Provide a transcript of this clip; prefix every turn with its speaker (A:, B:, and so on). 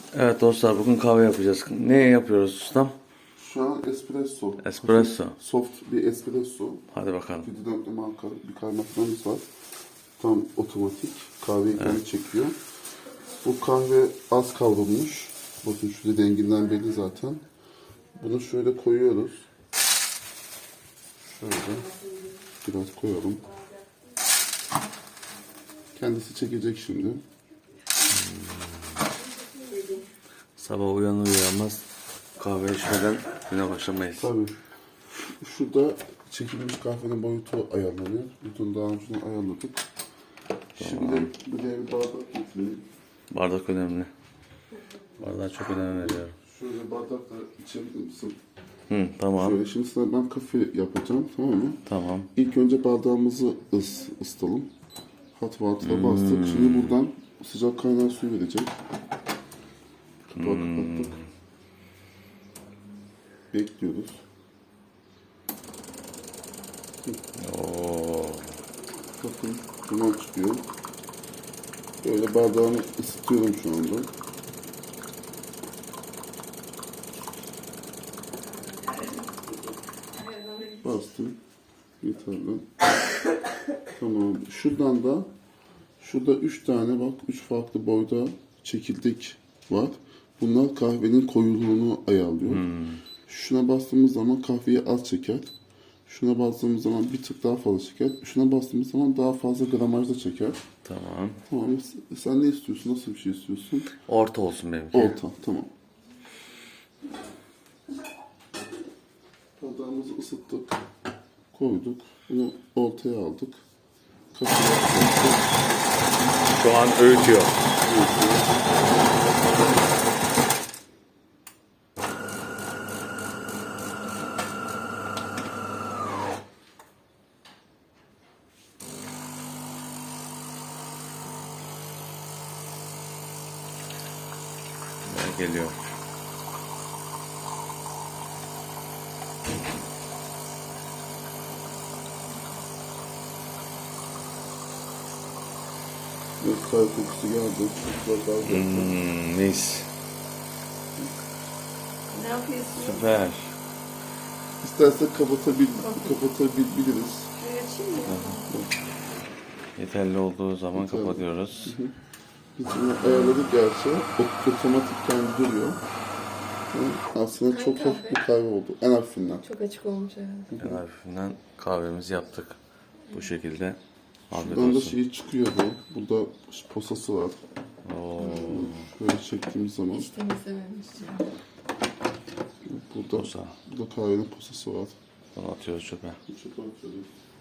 A: Evet dostlar, bugün kahve yapacağız. Ne yapıyoruz ustam?
B: Şu an espresso.
A: Espresso.
B: Soft bir espresso.
A: Hadi bakalım.
B: 7.4 marka bir kahve makinemiz var. Tam otomatik. Kahveyi kendi çekiyor. Bu kahve az kavrulmuş. Bakın şurada renginden belli zaten. Bunu şöyle koyuyoruz. Şöyle biraz koyalım. Kendisi çekecek şimdi.
A: Sabah uyanır uyanmaz kahve içmeden güne başlamayız.
B: Tabii. Şurada çekilmiş kahvenin boyutu ayarlanıyor. Bütün daha önceden ayarladık. Şimdi buraya bir bardak getirelim.
A: Bardak önemli. Bardağa çok önem veriyorum.
B: Şöyle bardakla içebilir misin?
A: Tamam.
B: Şöyle şimdi sana ben kafe yapacağım, tamam mı?
A: Tamam.
B: İlk önce bardağımızı ısıtalım. Hot water'a bastık. Şimdi buradan sıcak kaynar suyu verecek. Kapağı kapattık. Bekliyoruz.
A: Oo.
B: Bakın duman çıkıyor. Böyle bardağımı ısıtıyorum şu anda. Bastım. Yeterli. Tamam. Şurada 3 tane bak 3 farklı boyda çekirdek var. Bunlar kahvenin koyuluğunu ayarlıyor. Şuna bastığımız zaman kahveyi az çeker. Şuna bastığımız zaman bir tık daha fazla çeker. Şuna bastığımız zaman daha fazla gramajda çeker.
A: Tamam.
B: Tamam. Sen ne istiyorsun? Nasıl bir şey istiyorsun?
A: Orta olsun benimki.
B: Orta. Tamam. Bardağımızı ısıttık. Koyduk. Bunu ortaya aldık. Kapıya koyduk.
A: Şu an öğütüyor. Geliyor.
B: Bir kahve kokusu geldi. Çok güzel kahve yaptı.
A: Mis.
C: Ne yapıyorsun?
A: Süper.
B: İstersek kapatabiliriz.
C: Şöyle açayım mı?
A: Yeterli olduğu zaman
B: Yeterli.
A: kapatıyoruz.
B: Biz bunu ayarladık gerçi. Otomatik kendi duruyor. Aslında çok hafif bir kahve oldu. En hafifinden.
C: Çok açık olmuş evet.
A: En hafifinden kahvemizi yaptık. Bu şekilde. Afiyet
B: Şuradan da
A: olsun.
B: şey çıkıyor bu. Burada posası var.
A: Oo.
B: Şöyle çektiğimiz zaman
C: Hiç temizlememiş.
B: burada,
A: Posa.
B: burada kahvenin posası var.
A: Bunu atıyoruz çöpe.
B: Çöpe atıyoruz.